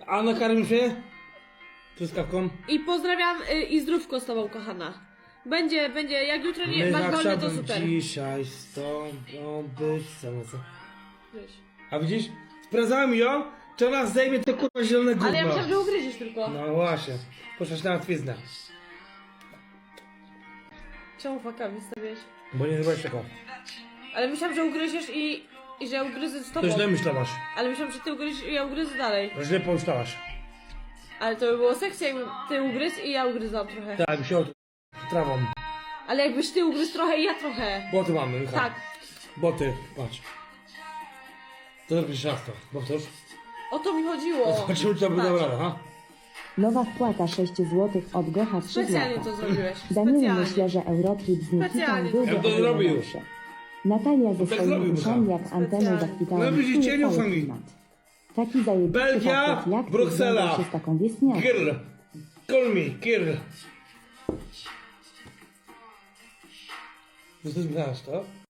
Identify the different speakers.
Speaker 1: A nakarmisz mnie? Truskawką?
Speaker 2: I pozdrawiam i zdrówko z tobą, kochana. Będzie, jak jutro nie masz wolne, to super.
Speaker 1: Dzisiaj stąd być same co.
Speaker 2: Weź.
Speaker 1: A widzisz? Sprawdzałem ją, czy ona zdejmie to kurwa zielone gówno.
Speaker 2: Ale ja myślałam, że ugryziesz tylko.
Speaker 1: No właśnie. Poszłaś na łatwiznę.
Speaker 2: Czemu fakami stawiasz?
Speaker 1: Bo nie zrobiłeś taką.
Speaker 2: Ale myślałam, że ugryziesz i że ja ugryzę z
Speaker 1: To
Speaker 2: tobą.
Speaker 1: źle myślałaś.
Speaker 2: Ale myślałam, że ty ugryziesz i ja ugryzę dalej.
Speaker 1: Źle pomyślałaś.
Speaker 2: Ale to by było seksy, jakby ty ugryzł i ja ugryzłam trochę.
Speaker 1: Tak, mi się od... trawą.
Speaker 2: Ale jakbyś ty ugryzł trochę i ja trochę.
Speaker 1: Boty mamy, Michał.
Speaker 2: Tak.
Speaker 1: Boty, patrz. To zrobisz raz to. Powtórz.
Speaker 2: O to mi chodziło.
Speaker 1: Zobaczymy, co by
Speaker 2: Patrz.
Speaker 1: dobra, ha?
Speaker 3: Nowa wpłata 6 zł od Gocha 3
Speaker 2: Specjalnie
Speaker 3: zł.
Speaker 2: to zrobiłeś.
Speaker 3: Daniel
Speaker 2: Specjalnie.
Speaker 3: myślę, że Eurotrip z Nikitą
Speaker 2: Specjalnie.
Speaker 3: byłby
Speaker 1: Ja to zrobił już.
Speaker 3: lepszy. Natalia ze
Speaker 1: tak
Speaker 3: swoimi
Speaker 1: zrobił,
Speaker 3: uszami
Speaker 1: Michał.
Speaker 3: jak anteną
Speaker 2: Specjalnie.
Speaker 3: zachwytała
Speaker 1: No widzicie,
Speaker 3: cały
Speaker 1: niufami.
Speaker 3: klimat. Taki zajebisty
Speaker 1: Belgia,
Speaker 3: facet jak ty
Speaker 1: Bruksela.
Speaker 3: związał się z taką wieśniaką.
Speaker 1: Girl. Call me, girl. Ty znasz to?